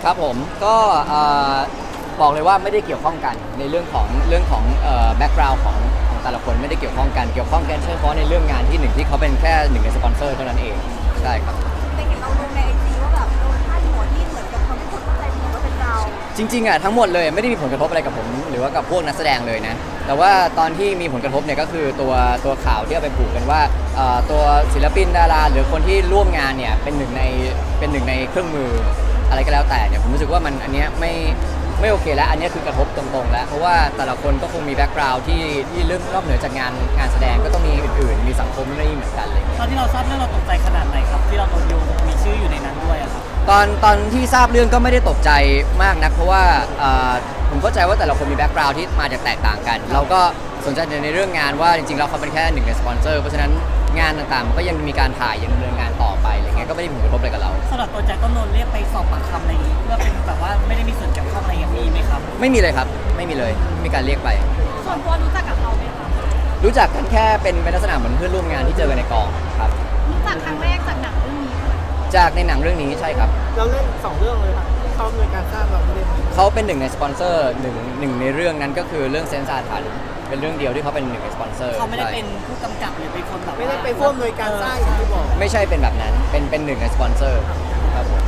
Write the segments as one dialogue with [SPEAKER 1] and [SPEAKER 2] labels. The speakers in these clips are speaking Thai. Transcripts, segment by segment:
[SPEAKER 1] ครับผมก็บอกเลยว่าไม่ได้เกี่ยวข้องกันในเรื่องของแบ็กกราวด์ของแต่ละคนไม่ได้เกี่ยวข้องกันเกี่ยวข้องกันเฉพาะในเรื่องงานที่หนึ่งที่เขาเป็นแค่หนึ่งในสปอนเซอร์เท่านั้นเองใช่ครับ
[SPEAKER 2] แต่เห็นเราลงในไอจีว่าแบบโดนพาดหัวที่เหมือนกับทำให้คนเข้าใจผิดว่าเป็นเรา
[SPEAKER 1] จริงๆอ่ะทั้งหมดเลยไม่ได้มีผลกระทบอะไรกับผมหรือว่ากับพวกนักแสดงเลยนะแต่ว่าตอนที่มีผลกระทบเนี่ยก็คือตัวข่าวที่เอาไปผูกกันว่าตัวศิลปินดาราหรือคนที่ร่วมงานเนี่ยเป็นหนึ่งในเครื่องมืออะไรก็แล้วแต่เนี่ยผมรู้สึกว่ามันอันเนี้ยไม่โอเคแล้วอันนี้คือกระทบตรงๆแล้วเพราะว่าแต่ละคนก็คงมีแบ็กกราวด์ที่เรื่องนอกเหนือจากงานแสดงก็ต้องมีอื่นๆมีสังคมนี่เหมือนกันเลย
[SPEAKER 3] ตอนที่เราทราบเรื่องเราตกใจขนาดไหนครับที่เราโดนโยงมีชื่ออยู่ในนั้นด้วยครับ
[SPEAKER 1] ตอนที่ทราบเรื่องก็ไม่ได้ตกใจมากนักเพราะว่าผมเข้าใจว่าแต่ละคนมีแบ็กกราวด์ที่มาจากแตกต่างกันเราก็สนใจในเรื่องงานว่าจริงๆแล้วเขาเป็นแค่หนึ่งในสปอนเซอร์เพราะฉะนั้นงานต่างๆก็ยังมีการถ่ายยังดำเนินงานต่อไปอะไรเงี้ยก็ไม่ได้มีผลกระทบอะไรกับเรา
[SPEAKER 3] สำหรับตัวแจ็คก็โดนเรียกไปสอบปากคำอะไรอย่างนี้เพื่อเป็นแบบว่าไม่ได้มีส่วนเกี่ยวข้องอะไรอย่างนี้ไหมครับ
[SPEAKER 1] ไม่มีเลยครับไม่มีเลยไม่มีการเรียกไป
[SPEAKER 2] ส่วนตัวรู้จักกับเราไหมคะ
[SPEAKER 1] รู้จักกันแค่เป็นลักษณะเหมือนเพื่อนร่วมงานที่เจอกันในกองครับ
[SPEAKER 2] รู้จักครั้งแรกจากหนังเรื่องนี้
[SPEAKER 1] จากในหนังเรื่องนี้ใช่ครับ
[SPEAKER 4] เราเล่น2เรื่องเลยครับที่เขาดำเนินการสร้างเราไม่ได้
[SPEAKER 1] เขาเป็นหนึ่งในสปอนเซอร์หนึ่งในเรื่องนั้นก็คือเรื่องเซนซาทันเป็นเรื่องเดียวที่เขาเป็นหนึ่งในสปอนเซอร์
[SPEAKER 3] เขาไม่ได้เป็นผู้กำกับหรือเป็นคนแบบ
[SPEAKER 4] ไม่ได้ไปร่วมในการสร้างอย่างที่บอก
[SPEAKER 1] ไม่ใช่เป็นแบบนั้นเป็นหนึ่งในสปอนเซอร์ครับผม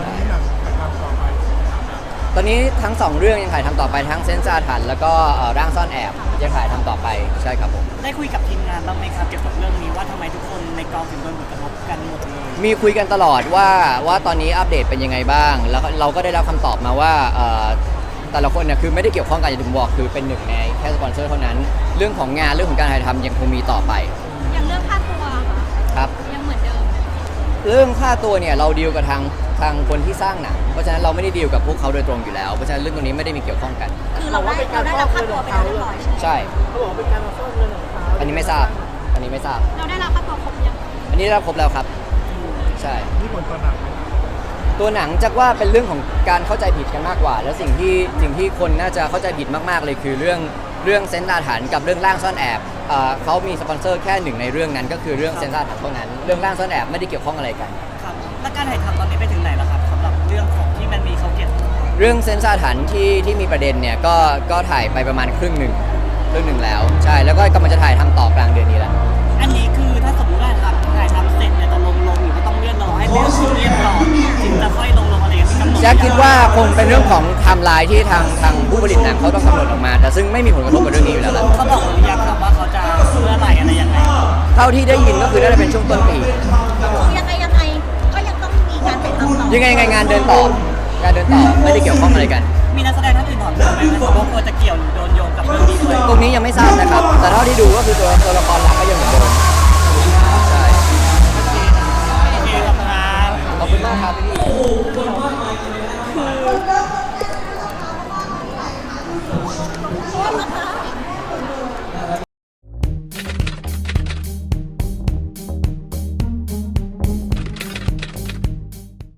[SPEAKER 1] ตอนนี้ทั้ง2เรื่องยังถ่ายทำต่อไปทั้งเซนซาทันแล้วก็ร่างซ่อนแอบยังถ่ายทำต่อไปใช่ครับผม
[SPEAKER 3] ได้คุยกับทีมงานบ้างไหมครับเกี่ยวกับเรื่องนี้ว่าทำไมทุกคนในกองถึงโดนผลกระทบกันหมดเลย
[SPEAKER 1] มีคุยกันตลอดว่าตอนนี้อัปเดตเป็นยังไงบ้างแล้วเราก็ได้รับคำตอบมาว่าแต่ละคนเนี่ยคือไม่ได้เกี่ยวข้องกันอย่างที่ผมบอกคือเป็นหนึ่งในแค่สปอนเซอร์เท่านั้นเรื่องของงานเรื่องของการถ่ายทำยังคงมีต่อไป
[SPEAKER 2] อย่างเรื่องค่าตัวค่ะ
[SPEAKER 1] ครับ
[SPEAKER 2] ยังเหมือนเดิม
[SPEAKER 1] เรื่องค่าตัวเนี่ยเราดีลกับทางคนที่สร้างหนังเพราะฉะนั้นเราไม่ได้ดีลกับพวกเขาโดยตรงอยู่แล้วเพราะฉะนั้นเรื่องตรงนี้ไม่ได้มีเกี่ยวข้องกัน
[SPEAKER 2] คือเราได้รับค่าตัวไปแล้วเรียบร้อย
[SPEAKER 1] ใช่
[SPEAKER 4] เขาบอกว่าเป็นการมาซ่อนเงินของเขา
[SPEAKER 1] อันนี้ไม่ทราบ
[SPEAKER 2] เราได้รับค่าตัวครบยัง
[SPEAKER 1] อันนี้ได้รับครบแล้วครับใช่
[SPEAKER 4] ที่ผลตัวหนัง
[SPEAKER 1] ตัวหนังจักว่าเป็นเรื่องของการเข้าใจผิดกันมากกว่าแล้วสิ่งที่คนน่าจะเข้าใจผิดมากๆเลยคือเรื่องเซนซาถันกับเรื่องร่างซ่อนแอบเขามีสปอนเซอร์แค่หนึ่งในเรื่องนั้นก็คือเรื่องเซนซาถันเท่านั้นเรื่องร่างซ่อนแอบไม่ได้เกี่ยวข้องอะไรกัน
[SPEAKER 3] ครับและการถ่ายทำตอนนี้ไปถึงไหนแล้วครับสำหรับเรื่องของที่มันมีเขาเก็บ
[SPEAKER 1] เรื่องเซนซาถันที่มีประเด็นเนี่ยก็ถ่ายไปประมาณครึ่งหนึ่งแล้วใช่แล้วก็กำลังจะถ่ายทำต่อกลางเดือนนี้แล้ว
[SPEAKER 3] อันนี้คือถ้าสมมติว่าถ่ายทำเสร็จเนี่ยจะลงหรือว่าต้องเลื่อนรอให้เป็นเรียบร้อยถึงจะค่อยลงอะไรอย่างนี้
[SPEAKER 1] แจ็คคิดว่าคงเป็นเรื่องของไทม์ไลน์ที่ทางผู้ผลิตหนังเขาต้องกำหนดออกมาแต่ซึ่งไม่มีผลกระทบกับเรื่องนี้อยู่แล้วแหละ
[SPEAKER 3] เขาบอกหรือยังครับว่าเขาจะเมื่อไหร่อะไรยังไง
[SPEAKER 1] เท่าที่ได้ยินก็คือน่าจะเป็นช่วงต้นปี
[SPEAKER 2] ยังไงก็ยังต้องมีการไปทำต่อ
[SPEAKER 1] ยังไงงานเดินต่อไม่ได้เกี่ยวข้องอะไรกัน
[SPEAKER 3] มีนักแสดงท่านอื่นถอนตัวไหมครับว่าควรจะเกี่ยวหรือโดนโยงกับเรื่องนี้ด้วย
[SPEAKER 1] ตรงนี้ยังไม่ทราบนะครับแต่เท่าที่ดูก็คือตัวละครหลักก็ยังเหมือนเดิมใช่
[SPEAKER 3] โอเคครับ
[SPEAKER 1] ขอบคุณมากครับพี่